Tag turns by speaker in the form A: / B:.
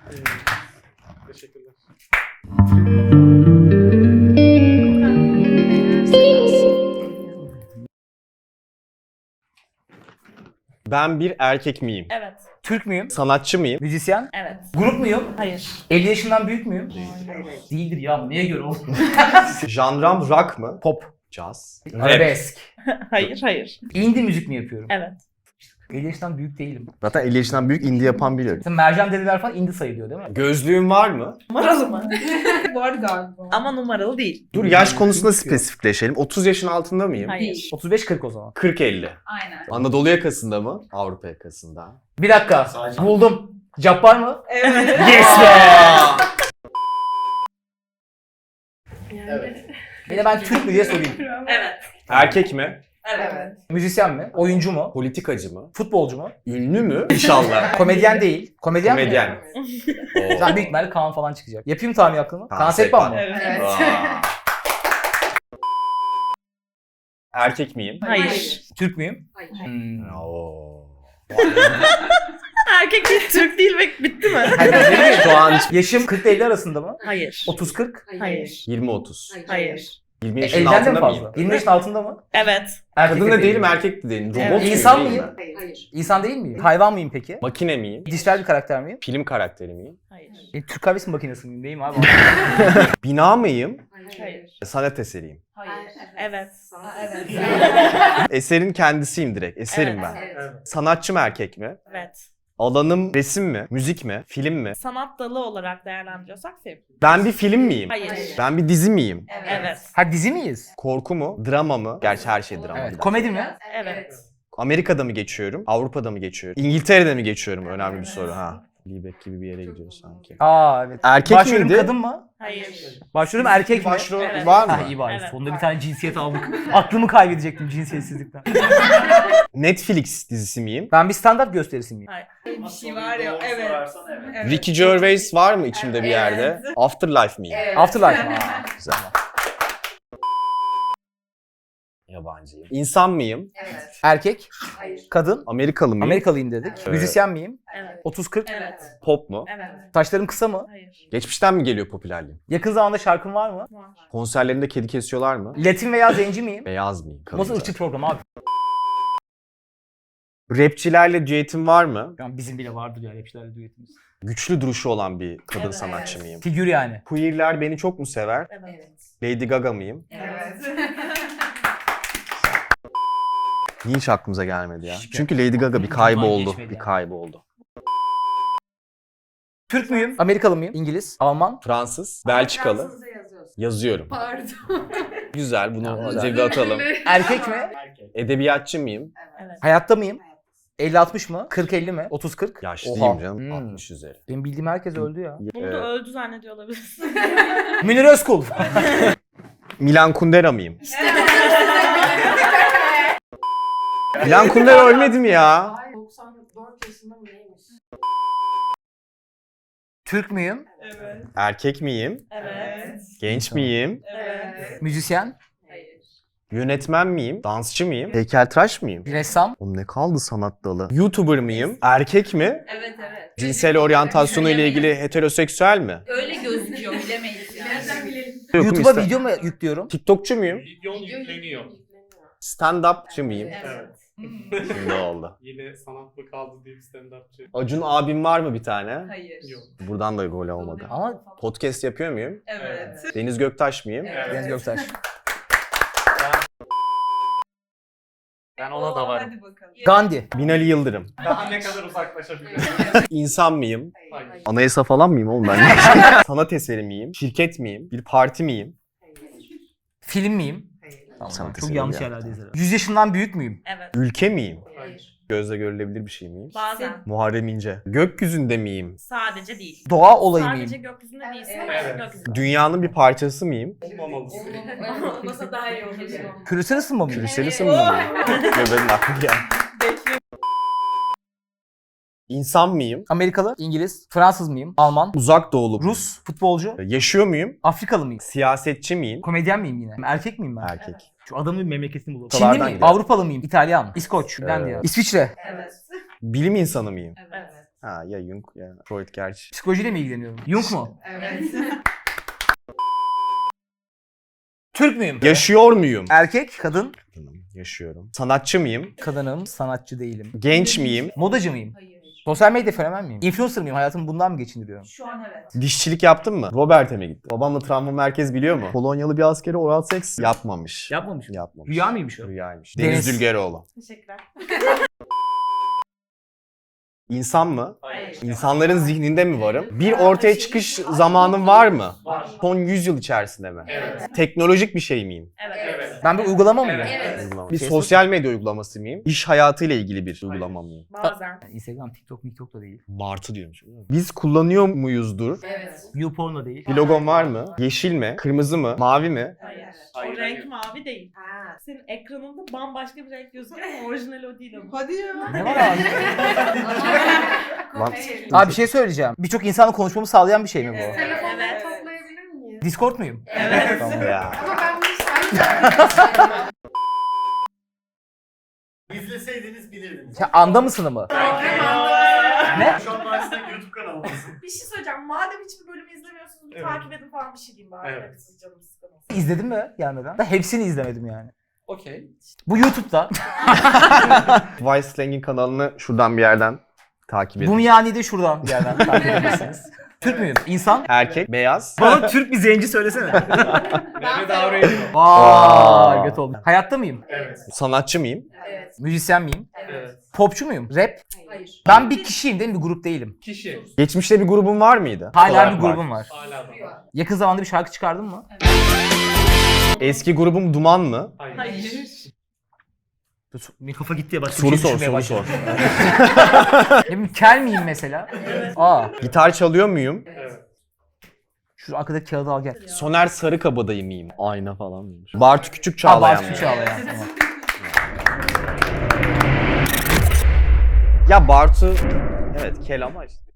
A: Teşekkürler.
B: Ben bir erkek miyim?
C: Evet.
D: Türk müyüm?
B: Sanatçı mıyım?
D: Müzisyen?
C: Evet.
D: Grup muyum?
C: Hayır.
D: 50 yaşından büyük müyüm? Değildir ya. Neye göre oğlum?
B: Janram rock mı?
D: Pop.
B: Jazz.
D: Arabesk.
C: Hayır.
D: Indie müzik mi yapıyorum?
C: Evet.
D: 50 yaşından büyük değilim.
B: Zaten 50 yaşından büyük indie yapan biliyorum.
D: Mesela Mercan Dedeler falan indie sayılıyor değil mi?
B: Gözlüğün var mı?
C: Numaralı mı?
E: Var galiba.
C: Ama numaralı değil.
B: Dur yaş konusunda spesifikleşelim. 30 yaşın altında mıyım?
C: Hayır.
D: 35-40 o zaman.
B: 40-50.
E: Aynen.
B: Anadolu yakasında mı? Avrupa yakasında.
D: Bir dakika. Buldum. Cabbar mı?
E: Evet.
D: Yes be! Bir de ben Türk mü diye sorayım.
C: Evet.
B: Erkek mi?
E: Evet.
D: Müzisyen mi? Oyuncu mu?
B: Politikacı mı?
D: Futbolcu mu?
B: Ünlü mü? İnşallah.
D: Komedyen değil. Komedyen mi?
B: Komedyen.
D: Zaten büyük ihtimalle Kaan falan çıkacak. Yapayım tahmin hakkını.
B: Kaan
D: Kaan Sekban
B: Sekban.
D: mı?
E: Evet.
B: Aa. Erkek miyim?
C: Hayır.
D: Türk müyüm?
E: Hayır.
B: Oo.
C: Erkek değil, Türk değil ve bitti mi?
D: Hayır.
B: Şu an
D: Yaşım 40-50 arasında mı?
C: Hayır.
D: 30-40?
C: Hayır.
B: 20-30.
C: Hayır.
B: 20 yaşın
D: 50'den de
B: altında
D: mi
B: mıyım?
D: fazla? 20 yaşın altında mı?
C: Evet.
D: Erkek
B: Kadın da değilim,
D: değilim.
B: erkek de değilim. Robot
C: Evet.
B: muyum,
D: İnsan
B: değil
D: mıyım?
B: mi?
E: Hayır.
D: İnsan değil miyim? Hayvan mıyım peki?
B: Makine miyim?
D: Dijital bir karakter miyim?
B: Film karakteri miyim?
C: Hayır.
D: Türk kahvesi makinesi miyim? Neyim abi?
B: Bina mıyım?
C: Hayır.
B: Sanat eseriyim.
C: Hayır. Evet.
E: Evet.
B: Eserin kendisiyim direkt. Eserim
C: Evet.
B: ben.
E: Evet.
B: Sanatçı mı erkek mi?
C: Evet.
B: Alanım resim mi? Müzik mi? Film mi?
C: Sanat dalı olarak değerlendiriyorsak film.
B: Ben bir film miyim?
C: Hayır.
B: Ben bir dizi miyim?
C: Evet.
D: Ha dizi miyiz?
B: Korku mu? Drama mı? Gerçi her şey drama.
D: Evet. Komedi mi?
C: Evet.
B: Amerika'da mı geçiyorum? Avrupa'da mı geçiyorum? İngiltere'de mi geçiyorum? Önemli bir soru ha. Libek gibi bir yere gidiyor sanki.
D: Aa evet.
B: Erkek
D: Başrolüm
B: miydi?
D: kadın mı?
C: Hayır.
D: Başrolüm erkek mi?
B: Başrol
C: Evet.
B: var
D: Ha
B: mı?
D: iyi bari.
C: Evet.
D: Sonunda bir tane cinsiyet aldık. Aklımı kaybedecektim cinsiyetsizlikten.
B: Netflix dizisi miyim?
D: Ben bir stand-up gösterisi miyim?
E: Bir şey var ya. Evet. Evet.
B: Ricky Gervais var mı içimde bir yerde? Afterlife miyim?
E: Evet.
D: Afterlife mi? Aa,
B: Güzel. Yabancıyım. İnsan mıyım?
E: Evet.
D: erkek,
E: Hayır.
D: kadın,
B: Amerikalı mıyım?
D: Amerikalıyım dedik.
B: Evet.
D: Müzisyen miyim?
C: Evet.
D: 30-40.
C: Evet.
B: Pop mu?
C: Evet.
D: Saçlarım kısa mı?
C: Hayır.
B: Geçmişten mi geliyor popülerliğim?
D: Yakın zamanda şarkım var mı?
C: Var.
B: Konserlerinde kedi kesiyorlar mı?
D: Latin veya zenci miyim?
B: Beyaz mıyım?
D: Nasıl
B: Kalınca.
D: ırkçı program abi?
B: Rapçilerle düetim var mı?
D: Yani bizim bile vardır ya rapçilerle düetimiz.
B: Güçlü duruşu olan bir kadın
C: Evet.
B: sanatçı mıyım?
D: Figür yani.
B: Queerler beni çok mu sever?
C: Evet.
E: Evet.
B: Lady Gaga mıyım?
E: Evet.
B: Niye hiç aklımıza gelmedi ya?
D: Hiç
B: Çünkü Lady Gaga bir
D: Hiç
B: kayboldu.
D: geçmedi
B: Bir
D: yani.
B: kayboldu.
D: Türk müyüm? Amerikalı mıyım? İngiliz? Alman?
B: Fransız, Belçikalı.
E: Fransızca yazıyorsun.
B: Yazıyorum.
E: Pardon.
B: Güzel, bunu
D: Güzel.
B: cebe atalım.
D: Erkek mi?
B: Edebiyatçı mıyım?
C: Evet.
D: Hayatta mıyım? 50-60 mı? 40-50 mi? 30-40?
B: Yaşlıyım
D: Oha.
B: canım.
D: Hmm.
B: 60 üzeri.
D: Benim bildiğim herkes öldü ya.
C: Bunu da öldü zannediyor olabilirsin.
D: Münir Özkul.
B: Milan Kundera mıyım? Milan Kundera ölmedi mi ya?
E: Ay 94 yaşında mı neymiş?
D: Türk müyüm?
C: Evet.
B: Erkek miyim?
C: Evet.
B: Genç miyim?
C: Evet.
D: Müzisyen?
E: Hayır.
B: Yönetmen miyim? Dansçı mıyım? Heykeltıraş mıyım?
D: Ressam?
B: Oğlum ne kaldı sanat dalı? YouTuber mıyım? Erkek mi?
E: Evet evet.
B: Cinsel oryantasyonu ile ilgili heteroseksüel mi?
E: Öyle gözüküyor bilemeyiz yani. Nereden bilelim?
D: YouTube'a
B: Yokum,
D: video mu yüklüyorum?
B: TikTokçu muyum?
A: Videon yükleniyor.
B: Stand-upçı mıyım?
A: Evet.
B: Şimdi oldu.
A: Yine sanat mı kaldı deyip stand-upçı.
B: Acun abim var mı bir tane?
E: Hayır.
A: Yok.
B: Buradan da gol olmadı.
D: Ama
B: Podcast yapıyor muyum?
E: Evet.
B: Deniz Göktaş mıyım?
E: Evet.
D: Deniz Göktaş.
A: Ben ona da varım.
E: Hadi bakalım.
D: Gandhi.
B: Binali Yıldırım.
A: Daha ne kadar uzaklaşabilirim?
B: İnsan mıyım?
A: Hayır.
B: Anayasa falan mıyım oğlum ben? Sanat eseri miyim? Şirket miyim? Bir parti miyim?
D: Film miyim?
B: Sanat
D: Çok
B: eseri
D: yanlış
B: ya.
D: yerlerdeyiz herhalde. 100 yaşından büyük müyüm?
C: Evet.
B: Ülke miyim?
E: Hayır.
B: Gözle görülebilir bir şey miyim?
C: Bazen.
B: Muharrem İnce. Gökyüzünde miyim?
C: Sadece değil.
D: Doğa olayı
C: Sadece
D: mıyım?
C: gökyüzünde değilsin ama
A: Evet.
C: gökyüzünde.
B: Dünyanın bir parçası mıyım?
A: Olmamalısın.
E: Olmasa daha iyi olur.
D: Küresel ısınma mıyım?
B: Küresel ısınma mıyım? Göbeğin aklı geldi. İnsan mıyım?
D: Amerikalı, İngiliz, Fransız mıyım? Alman,
B: Uzak doğulu.
D: Rus, futbolcu,
B: Yaşıyor muyum?
D: Afrikalı mıyım?
B: Siyasetçi miyim?
D: Komedyen miyim yine? Erkek miyim ben?
B: Erkek.
D: Şu adamın memleketini bulalım.
B: Ortalardan
D: Çinli miyim?
B: gidiyor.
D: Avrupalı mıyım? İtalyan, İskoç, Finlandiya, İsviçre.
E: Evet.
B: Bilim insanı mıyım?
E: Evet.
B: Ha ya Jung ya Freud gerçi.
D: Psikolojiyle mi ilgileniyorum? Jung mu?
E: Evet.
D: Türk müyüm?
B: Yaşıyor muyum?
D: Erkek, kadın.
B: Yaşıyorum. Sanatçı mıyım?
D: Kadınım, sanatçı değilim.
B: Genç miyim?
D: Modacı mıyım?
E: Hayır.
D: Sosyal medya fenomen miyim? Influencer mıyım? Hayatımı bundan mı geçindiriyorum?
E: Şu an evet.
B: Dişçilik yaptın mı? Robert'e mi gittin? Babamla travma merkez biliyor mu? Polonyalı bir askeri oral seks yapmamış.
D: Yapmamış.
B: Yapmamış.
D: Rüya mıymış o?
B: Rüyaymış.
D: Deniz.
B: Deniz Dülgeroğlu.
E: Teşekkürler.
B: İnsan mı?
E: Hayır.
B: İnsanların zihninde mi varım? Bir ortaya çıkış zamanım var mı?
A: Var.
B: Son 100 yıl içerisinde mi?
A: Evet.
B: Teknolojik bir şey miyim?
E: Evet.
D: Ben bir uygulama mıyım?
E: Evet.
B: Uygulama. Bir
D: Facebook.
B: sosyal medya uygulaması mıyım? İş hayatıyla ilgili bir uygulama mıyım?
E: Bazen.
D: Instagram, TikTok da değil.
B: Martı diyormuş. Biz kullanıyor muyuzdur?
E: Evet.
D: YouPorn da değil.
B: Bir logom var mı? Yeşil mi? Kırmızı mı? Mavi mi?
E: Hayır.
A: Hayır,
F: O renk
A: hayır.
F: mavi değil.
E: Ha.
F: Senin ekranında bambaşka bir renk gözüküyor ama orijinal o değil ama.
E: Hadi ya.
D: Ne var abi?
B: Lan-
E: Hayır.
D: Abi bir şey söyleyeceğim. Birçok insanla konuşmamı sağlayan bir şey mi bu?
F: Evet.
E: Telefonları
F: Evet.
E: toplayabilir miyiz?
D: Discord muyum?
F: Evet.
B: Tamam ya.
E: Ama ben bunu saymayacağım.
G: İzleseydiniz bilirdiniz.
D: Sen anda mısın mı? Ne?
G: Şu an Mars'ta YouTube kanalındasın.
F: Bir şey söyleyeceğim. Madem hiçbir bölümü izlemiyorsunuz bir
A: Evet.
F: takip edin falan bir şey diyeyim bari.
A: Evet.
F: Evet. Siz canınız sıkılmasın.
D: İzledin mi gelmeden? Da hepsini izlemedim yani.
A: Okey.
D: Bu YouTube'da.
B: Vice Slang'in kanalını şuradan bir yerden takip edin.
D: Bu yani de şuradan bir yerden takip edebilirsiniz. Türk müyüm? İnsan.
B: Erkek, beyaz.
D: Bana Türk bir zenci söylesene.
A: Mehmet Aurelio.
D: Vay göt oldum. Hayatta mıyım?
A: Evet.
B: Sanatçı mıyım?
E: Evet.
D: Müzisyen miyim?
A: Evet.
D: Popçu muyum? Rap?
E: Hayır.
D: Ben bir kişiyim değil mi? Bir grup değilim.
A: Kişi.
B: Geçmişte bir grubun var mıydı?
D: Hala
B: Olarak
D: bir grubum var.
A: Hala da var.
D: Yakın zamanda bir şarkı çıkardın mı?
B: Eski grubum Duman mı?
A: Hayır.
F: Hayır.
D: Bir kafa gitti ya bak.
B: Soru sor, soru sor.
D: Ne bileyim kel miyim mesela? Aa.
B: Gitar çalıyor muyum?
A: Evet.
D: Şu arkadaki kağıdı al gel.
B: Soner Sarıkabadayı mıyım? Ayna falan mıymış? Bartu Küçük
D: Aa
B: Çağlayan
D: Bartu
B: mı?
D: Çağlayan. Tamam.
B: Ya Bartu... Evet kel ama işte.